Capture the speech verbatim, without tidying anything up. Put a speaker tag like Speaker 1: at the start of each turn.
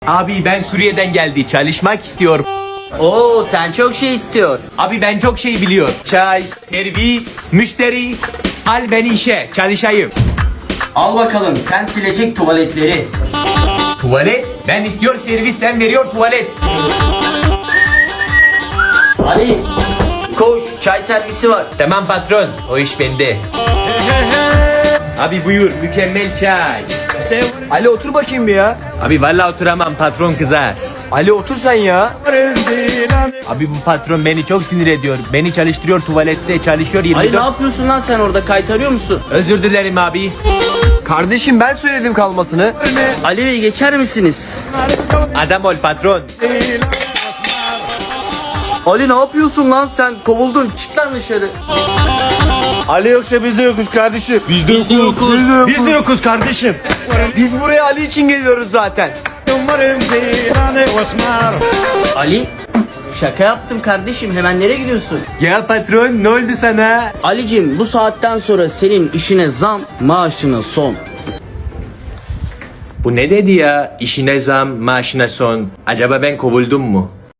Speaker 1: Abi ben Suriye'den geldi. Çalışmak istiyorum.
Speaker 2: Oo, sen çok şey istiyor.
Speaker 1: Abi ben çok şey biliyorum. Çay, servis, müşteri. Al beni işe. Çalışayım.
Speaker 2: Al bakalım, sen silecek tuvaletleri.
Speaker 1: Tuvalet. Ben istiyor servis, sen veriyor tuvalet.
Speaker 2: Ali, koş, çay servisi var.
Speaker 1: Tamam patron. O iş bende. Abi buyur. Mükemmel çay.
Speaker 3: Ali otur bakayım bir ya.
Speaker 1: Abi vallahi oturamam. Patron kızar.
Speaker 3: Ali otur sen ya.
Speaker 1: Abi bu patron beni çok sinir ediyor. Beni çalıştırıyor tuvalette. Çalışıyor
Speaker 2: Ali, ne
Speaker 1: yirmi dört.
Speaker 2: yapıyorsun lan sen orada, kaytarıyor musun?
Speaker 1: Özür dilerim abi.
Speaker 3: Kardeşim ben söyledim kalmasını.
Speaker 2: Ali Bey, geçer misiniz?
Speaker 1: Adam ol patron.
Speaker 2: Ali, ne yapıyorsun lan sen? Kovuldun, çık lan dışarı.
Speaker 3: Ali yoksa biz de yokuz kardeşim.
Speaker 1: Biz de yokuz. Biz de yokuz kardeşim.
Speaker 3: Biz buraya Ali için geliyoruz zaten.
Speaker 2: Ali, şaka yaptım kardeşim, hemen nereye gidiyorsun?
Speaker 1: Ya patron ne oldu sana?
Speaker 2: Alicim, bu saatten sonra senin işine zam, maaşına son.
Speaker 1: Bu ne dedi ya? İşine zam, maaşına son. Acaba ben kovuldum mu?